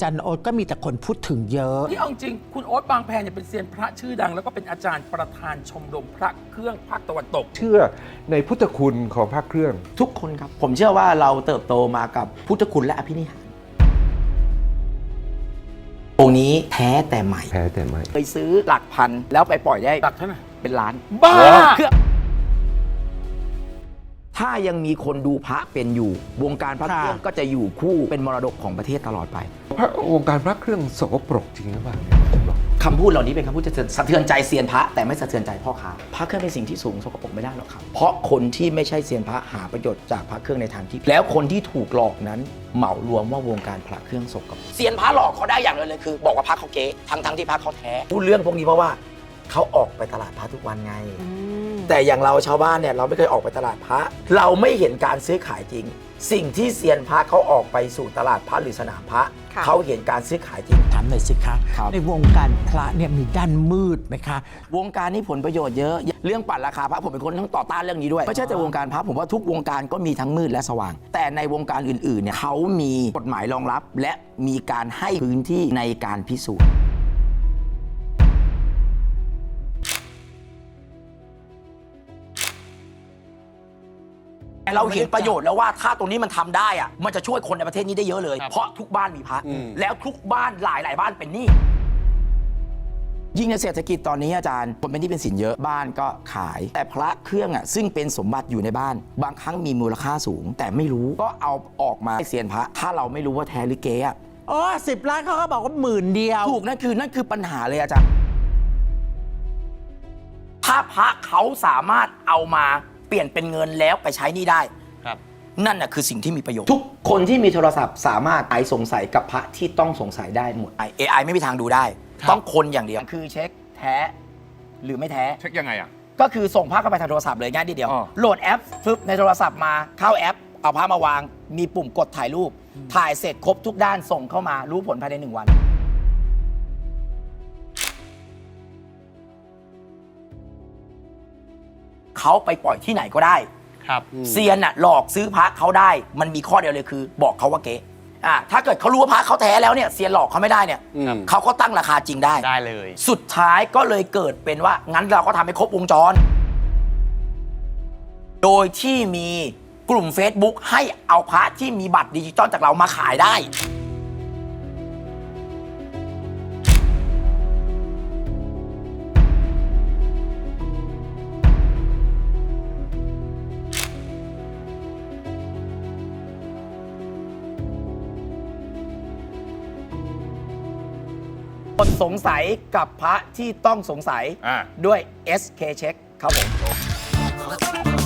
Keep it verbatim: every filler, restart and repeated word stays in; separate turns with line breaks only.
จารย์โอ๊ตก็มีแต่คนพูดถึงเยอะ
ที่เอาจริงคุณโอ๊ตบางแพเนี่ยเป็นเซียนพระชื่อดังแล้วก็เป็นอาจารย์ประธานชมรมพระเครื่องภาคตะวันตก
เชื่อในพุทธคุณของพระเครื่อง
ทุกคนครับผมเชื่อว่าเราเติบโตมากับพุทธคุณและอภินิหารองค์นี้แท้แต่ใหม่
แท้แต่ใหม่
เคยซื้อหลักพันแล้วไปปล่อยได้
หลักเท่าไหร่
เป็นล้าน
บ้า
ถ้ายังมีคนดูพระเป็นอยู่วงการพระเครื่องก็จะอยู่คู่เป็นมรดกของประเทศตลอดไป
พระวงการพระเครื่องสกปรกจริงหรือเปล่า
คำพูดเหล่านี้เป็นคำพูดจะสะเทือนใจเซียนพระแต่ไม่สะเทือนใจพ่อค้าพระเครื่องเป็นสิ่งที่สูงสกปรกไม่ได้หรอกครับเพราะคนที่ไม่ใช่เซียนพระหาประโยชน์จากพระเครื่องในทางที่แล้วคนที่ถูกหลอกนั้นเหมารวมว่าวงการพระเครื่องสกปรกเซียนพระหลอกเขาได้อย่างเดียวเลยคือบอกว่าพระเขาเก๊ทั้งทั้งที่พระเขาแท้พูดเรื่องพวกนี้เพราะว่าเขาออกไปตลาดพระทุกวันไงแต่อย่างเราชาวบ้านเนี่ยเราไม่เคยออกไปตลาดพระเราไม่เห็นการซื้อขายจริงสิ่งที่เซียนพระเขาออกไปสู่ตลาดพระหรือสนามพระเขาเห็นการซื้อขายจริง
ถามหน่อยสิคะในวงการพระเนี่ยมีด้านมืดไหมคะ
วงการนี้ผลประโยชน์เยอะเรื่องปั่นราคาพระผมเป็นคนทั้งต่อต้านเรื่องนี้ด้วยไม่ใช่แต่วงการพระผมว่าทุกวงการก็มีทั้งมืดและสว่างแต่ในวงการอื่นๆเนี่ยเขามีกฎหมายรองรับและมีการให้พื้นที่ในการพิสูจน์เราเห็นประโยชน์แล้วว่าถ้าตรงนี้มันทำได้อะมันจะช่วยคนในประเทศนี้ได้เยอะเลยเพราะทุกบ้านมีพระแล้วทุกบ้านหลายหลายบ้านเป็นหนี้ยิ่งในเศรษฐกิจตอนนี้อาจารย์คนเป็นหนี้เป็นสินเยอะบ้านก็ขายแต่พระเครื่องอ่ะซึ่งเป็นสมบัติอยู่ในบ้านบางครั้งมีมูลค่าสูงแต่ไม่รู้ก็เอาออกมาให้เซียนพระถ้าเราไม่รู้ว่าแท้หรือเก๊อะ
อ๋อสิบล้านเขาก็บอกว่าหมื่นเดียว
ถูกนั่นคือนั่นคือปัญหาเลยอาจารย์ถ้าพระเขาสามารถเอามาเปลี่ยนเป็นเงินแล้วไปใช้นี่ได้นั่นน่ะคือสิ่งที่มีประโยชน์ทุกคนที่มีโทรศัพท์สามารถไอสงสัยกับพระที่ต้องสงสัยได้หมด เอ ไอ ไม่มีทางดูได้ต้องคนอย่างเดียวคือเช็คแท้หรือไม่แท้
เช็คยังไงอ่ะ
ก็คือส่งพระเข้าไปทางโทรศัพท์เลยง่ายทีเดียวโหลดแอปฟึบในโทรศัพท์มาเข้าแอปเอาพระมาวางมีปุ่มกดถ่ายรูปถ่ายเสร็จครบทุกด้านส่งเข้ามารู้ผลภายในหนึ่งวันเขาไปปล่อยที่ไหนก็ได้เซียนน่ะหลอกซื้อพระเขาได้มันมีข้อเดียวเลยคือบอกเขาว่าเก๊อ่าถ้าเกิดเขารู้ว่าพระเขาแท้แล้วเนี่ยเซียนหลอกเขาไม่ได้เนี่ยเขาก็ตั้งราคาจริงได้
ได้เลย
สุดท้ายก็เลยเกิดเป็นว่างั้นเราก็ทำให้ครบวงจรโดยที่มีกลุ่ม Facebook ให้เอาพระที่มีบัตรดิจิตอลจากเรามาขายได้คนสงสัยกับพระที่ต้องสงสัยด้วย เอส เค Check ครับผม